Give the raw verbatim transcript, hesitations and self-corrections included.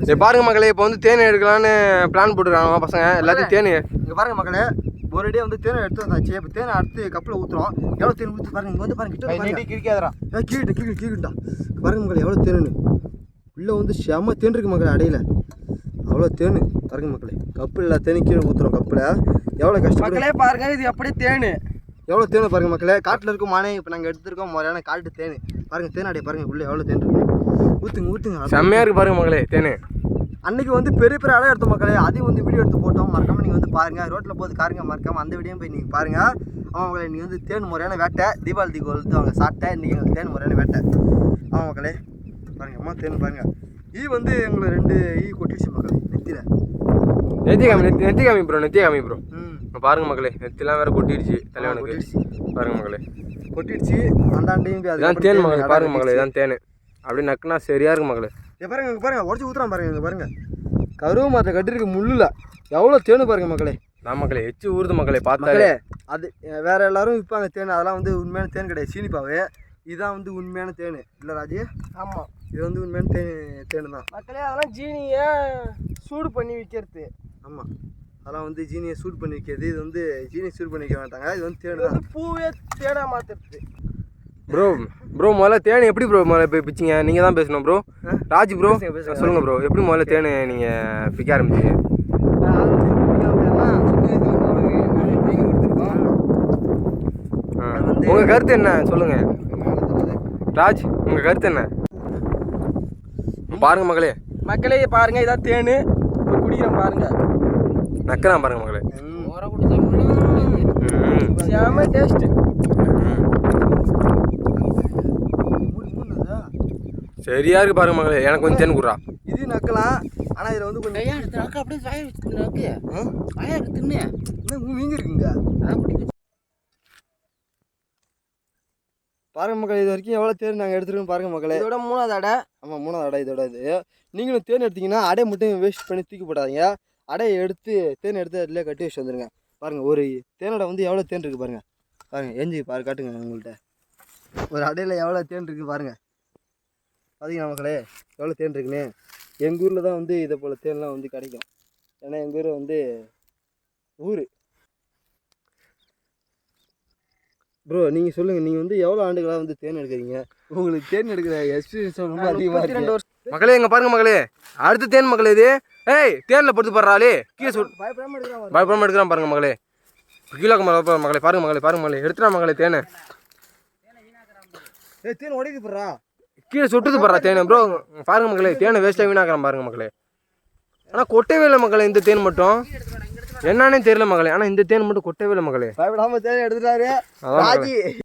சரி பாருங்க மக்களே, இப்போ வந்து தேன் எடுக்கலான்னு பிளான் போட்டுருக்காங்க பசங்க எல்லாத்தையும். தேன் இங்கே பாருங்க மக்களே, ஒரு அடியே வந்து தேனை எடுத்து வந்தாச்சு. இப்போ தேனை அடுத்து கப்பில் ஊற்றுறோம். எவ்வளோ தேன் ஊற்றி பாருங்க. இங்கே வந்து பாருங்க, கிட்ட கிரிக்காதரா ஏ கீழே கீழே கீழேட்டா பாருங்க மக்களே, எவ்வளோ தேனு உள்ளே வந்து செம தேன் இருக்கு மக்களே. அடையில அவ்வளோ தேனு பாருங்க மக்களே. கப்பில் எல்லா தேனி கீழே ஊற்றுறோம். கப்பில் எவ்வளோ கஷ்டம் மக்களே பாருங்க, இது அப்படியே தேனு எவ்வளோ தேனை பாருங்க மக்களே. காட்டில் இருக்கும் மானே இப்போ நாங்கள் எடுத்துருக்கோம் முறையான காட்டு தேன். பாருங்க தேன் அடைய பாருங்க, உள்ளே எவ்வளோ தேன் இருக்கு. ஊற்றுங்க ஊற்றுங்க, செம்மையாக இருக்குது பாருங்க மக்களே தேன். அன்றைக்கி வந்து பெரிய பெரிய அடை எடுத்த மக்களே, அதையும் வந்து வீடியோ எடுத்து போட்டோம். மறக்காமல் நீங்கள் வந்து பாருங்கள். ரோட்டில் போது காருங்க மறக்காமல் அந்த வீடியோ போய் நீங்கள் பாருங்கள். ஆமாம் மக்களே, நீங்கள் வந்து தேன் முறையான வேட்டை தீபாவளி தீக்கு வந்து அவங்க சாப்பிட்டேன். இன்றைக்கி எங்களுக்கு தேன் முறையான வேட்டை. ஆமாம் மக்களே பாருங்கள், அம்மா தேன் பாருங்கள். ஈ வந்து எங்களை ரெண்டு ஈ கொட்டிடுச்சு மக்களே நெத்தியில். நெத்தி காமி நெத்தி நெத்தி காமி ப்ரோ நெத்தி காமி ப்ரோ. ம் பாருங்க மக்களே, நெத்திலாம் வேறு கொட்டிடுச்சு தலைவனுக்கு. பாருங்க மக்களே கொட்டிடுச்சு. அந்தாண்டையும் அதுதான் தேன் மக்களே. பாருங்க மக்களே, இதான் தேன். அப்படியே நக்குனா சரியாக இருக்கு மக்களே. இங்கே பாருங்க, இங்கே பாருங்க, உடச்சி ஊற்றுறான் பாருங்க. இங்கே பாருங்க, கருவு மரத்தை கட்டிருக்கு முள்ளில் எவ்வளோ தேனு பாருங்க மக்களே. நான் மக்களே எச்சு ஊறுது மக்களே பார்த்தாலே. மக்களே அது வேற எல்லாரும் விற்பாங்க தேன், அதெல்லாம் வந்து உண்மையான தேன் கிடையாது, சீனிப்பாவே. இதுதான் வந்து உண்மையான தேன் இல்லை ராஜி? ஆமாம், இது வந்து உண்மையான தேன் தேனு தான் மக்களே. அதெல்லாம் ஜீனியை சூடு பண்ணி விற்கிறது. ஆமாம், அதெல்லாம் வந்து ஜீனியை சூடு பண்ணி வைக்கிறது. இது வந்து ஜீனியை சூடு பண்ணி வைக்க மாட்டாங்க. இது வந்து தேன் தான். பூவே தேனா மாற்றுறது. ப்ரோ ப்ரோ முதல்ல தேன் எப்படி ப்ரோ முதல்ல போய் பிச்சிங்க? நீங்கள் தான் பேசணும் ப்ரோ. ராஜ் ப்ரோ சொல்லுங்கள் ப்ரோ, எப்படி முதல்ல தேன் நீங்கள் பிக்க ஆரம்பிச்சிங்க? உங்கள் கருத்து என்ன சொல்லுங்கள் ராஜ், உங்கள் கருத்து என்ன? பாருங்க மக்களே. மக்களே பாருங்க, இதான் தேனு. இப்போ குடிக்கிறேன் பாருங்க. நக்கதான் பாருங்க மக்களே. செம டேஸ்ட். சரியா இருக்கு பாருங்க மக்களே. எனக்கு கொஞ்சம் தேன் குடுறா. இது நக்கலாம், ஆனால் இதில் வந்து கொஞ்சம் அப்படியே வாய வச்சுருக்கு. வாயா தின்னு மீங்க இருக்குங்க. பாருங்க மக்களே, இது வரைக்கும் எவ்வளோ தேன் நாங்கள் எடுத்துருக்கோம் பாருங்க மக்களே. இதோட மூணாவது அடை. ஆமாம், மூணாவது அடை இதோட. இது நீங்களும் தேன் எடுத்தீங்கன்னா அடை மட்டும் வேஸ்ட் பண்ணி தூக்கி போடாதீங்க. அடையை எடுத்து தேன் எடுத்து அதில் கட்டி வச்சு வந்துடுங்க. பாருங்கள், ஒரு தேனடை வந்து எவ்வளோ தேன் இருக்குது பாருங்கள். பாருங்கள் எஞ்சி பாரு காட்டுங்க உங்கள்கிட்ட. ஒரு அடையில் எவ்வளோ தேன் இருக்குது பாருங்கள். பார்த்தீங்கன்னா மக்களே எவ்வளோ தேன் இருக்குன்னு. எங்கள் ஊரில் தான் வந்து இதை போல் தேன்லாம் வந்து கிடைக்கும். ஏன்னா எங்கள் ஊர் வந்து ஊர். ப்ரோ நீங்கள் சொல்லுங்கள், நீங்கள் வந்து எவ்வளோ ஆண்டுகளாக வந்து தேன் எடுக்கிறீங்க? உங்களுக்கு தேன் எடுக்கிற எக்ஸ்பீரியன்ஸ் ரொம்ப அதிகமாக இருக்கு மக்களே. இங்கே பாருங்க மக்களே, அடுத்து தேன் மக்களே. இது ஏய் தேனில் படுத்து போடுறாளே கீழே சொல். பயப்படாமல் எடுக்கிறான் பயப்படாமல் எடுக்கிறான் பாருங்க மக்களே. கீழே மக்களே பாருங்க மக்களே. பாருங்க மக்களே, எடுத்துடா மக்களே தேனை. ஏ தேன் உடைக்கு போடுறா, கீழே சுட்டுது போடுறா தேனை ப்ரோ. பாருங்க மக்களே, தேனை வேஸ்ட்டாக வீணாக்கிறான் பாருங்க மக்களே. ஆனால் கொட்டவே இல்லை மக்களே இந்த தேன் மட்டும். என்னன்னே தெரியல மக்களே, ஆனால் இந்த தேன் மட்டும் கொட்டவே இல்லை மக்களே. பயப்படாமல் தேன் எடுத்துட்டாரு ராஜி.